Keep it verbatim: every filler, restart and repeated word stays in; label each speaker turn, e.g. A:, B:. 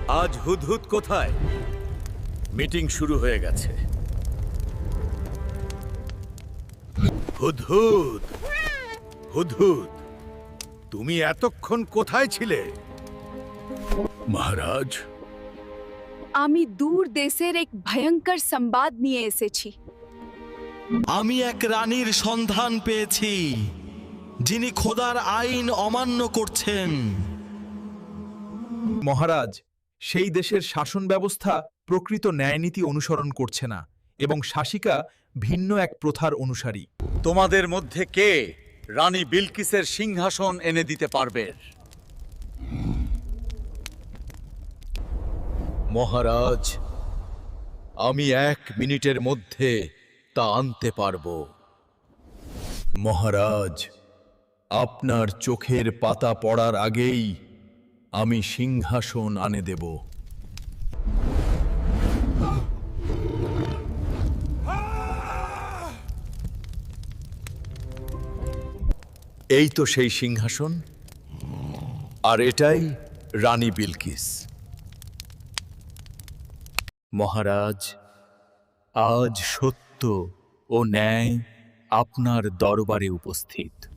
A: আজ হুদহুদ কোথায়? মিটিং শুরু হয়ে গেছে। হুদহুদ, হুদহুদ, তুমি এতক্ষণ কোথায় ছিলে? মহারাজ,
B: আমি দূর দেশের এক ভয়ঙ্কর সংবাদ নিয়ে এসেছি।
C: আমি এক রানীর সন্ধান পেয়েছি, যিনি খোদার আইন অমান্য করছেন।
D: মহারাজ, সেই দেশের শাসন ব্যবস্থা প্রকৃত ন্যায়নীতি অনুসরণ করছে না এবং শাসিকা ভিন্ন এক প্রথার অনুসারী।
A: তোমাদের মধ্যে কে রানী বিলকিসের সিংহাসন এনে দিতে পারবে? মহারাজ, আমি এক মিনিটের মধ্যে তা আনতে পারব। মহারাজ, আপনার চোখের পাতা পড়ার আগেই আমি সিংহাসন আনে দেব। এই তো সেই সিংহাসন, আর এটাই রানী বিলকিস। মহারাজ, আজ সত্য ও ন্যায় আপনার দরবারে উপস্থিত।